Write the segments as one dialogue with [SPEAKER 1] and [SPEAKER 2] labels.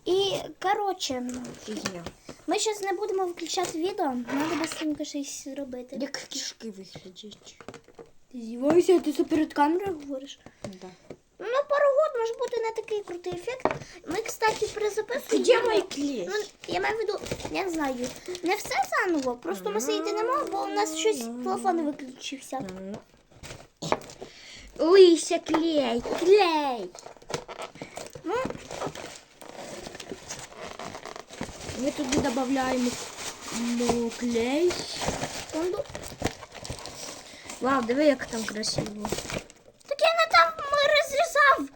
[SPEAKER 1] І, коротше,
[SPEAKER 2] Фігня.
[SPEAKER 1] ми зараз не будемо виключати відео, треба быстренько щось зробити.
[SPEAKER 2] Як кишки виглядять.
[SPEAKER 1] Ти здіваєшся, ти це перед камерою говориш?
[SPEAKER 2] Да.
[SPEAKER 1] Ну, пару год може бути не такий крутий ефект. Ми, кстати, перезаписуємо.
[SPEAKER 2] Где мой клей?
[SPEAKER 1] Ну, я маю в виду, я не знаю, не все заново, просто ми сидіти не можемо, бо у нас щось телефон виключився.
[SPEAKER 2] Лися, клей, клей.
[SPEAKER 1] Ну,
[SPEAKER 2] Ми туди додаємо клей.
[SPEAKER 1] секунду.
[SPEAKER 2] Вау, диви, як там красиво.
[SPEAKER 1] Так я не там розрізав.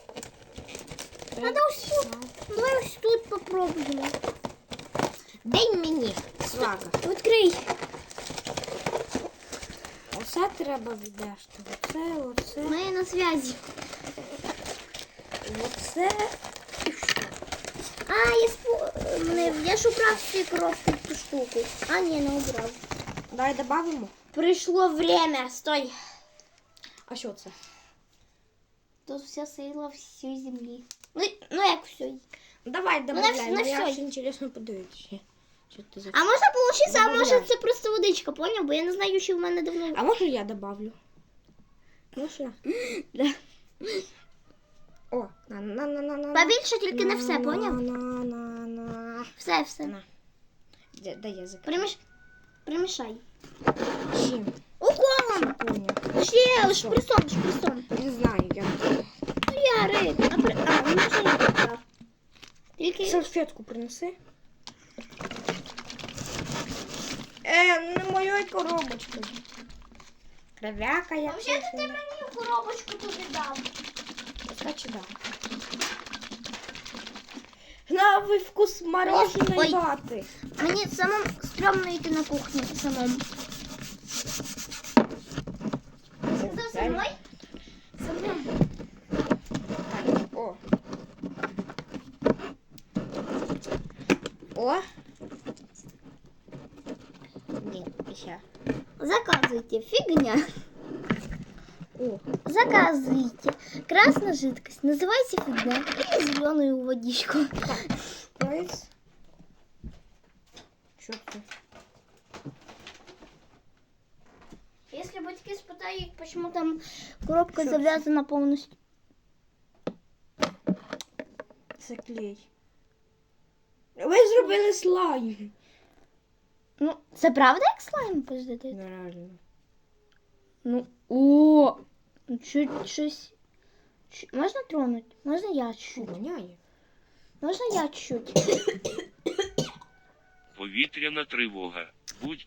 [SPEAKER 1] Надо ось тут. Давай ось тут попробуємо.
[SPEAKER 2] Дай мені. Свага.
[SPEAKER 1] Відкрий.
[SPEAKER 2] Оце треба віддашти. Оце.
[SPEAKER 1] Ми на зв'язі.
[SPEAKER 2] Оце.
[SPEAKER 1] А, я ж убрав всі коробки в ту штуку. А, ні, не убрав.
[SPEAKER 2] Давай додамо.
[SPEAKER 1] Пришло время. Стой.
[SPEAKER 2] А що це?
[SPEAKER 1] Тут вся сила всієї землі. Ну як все.
[SPEAKER 2] Давай,
[SPEAKER 1] на
[SPEAKER 2] добавляй.
[SPEAKER 1] всьо.
[SPEAKER 2] Я ж інтересно подивитися. Що ти за...
[SPEAKER 1] А може получиться, а може
[SPEAKER 2] Добавляй.
[SPEAKER 1] це просто водичка, поняв? Бо я не знаю, що в мене давно.
[SPEAKER 2] А може я добавлю? Можна? Да. О, на.
[SPEAKER 1] Побільше тільки не все, поняв?
[SPEAKER 2] На.
[SPEAKER 1] Все.
[SPEAKER 2] На. Дай я закрию.
[SPEAKER 1] Примішай.
[SPEAKER 2] Чим?
[SPEAKER 1] Уколом!
[SPEAKER 2] Понял.
[SPEAKER 1] Ще, шприцом.
[SPEAKER 2] Не знаю, я.
[SPEAKER 1] Ну я рик. Ну може я так. Тільки...
[SPEAKER 2] Салфетку принеси. Не моєю коробочкою. Кровяка я.
[SPEAKER 1] Взагалі ти мені коробочку туди дав.
[SPEAKER 2] Кстати, да. Новий вкус мороженої
[SPEAKER 1] Ой.
[SPEAKER 2] вати.
[SPEAKER 1] Мені самому стрьомно йти на кухню самому. Ти за мною? За мною.
[SPEAKER 2] О. О. Ні, ще.
[SPEAKER 1] Заказывайте. Фигня.
[SPEAKER 2] О.
[SPEAKER 1] Заказывайте. Красная жидкость. Называйте фигня. Или зеленую водичку.
[SPEAKER 2] Прайс. Що це?
[SPEAKER 1] Если батьки спитають, почему там коробка
[SPEAKER 2] Що
[SPEAKER 1] завязана полностью.
[SPEAKER 2] Це клей. Ви зробили слайм.
[SPEAKER 1] Ну, це правда як слайм пиздити?
[SPEAKER 2] Нереально.
[SPEAKER 1] Ну, о! Щось. Можна тронуть? Можна я чуть-чуть?
[SPEAKER 2] Воняє.
[SPEAKER 1] Можна я чуть-чуть?
[SPEAKER 3] Повітряна тривога. Будь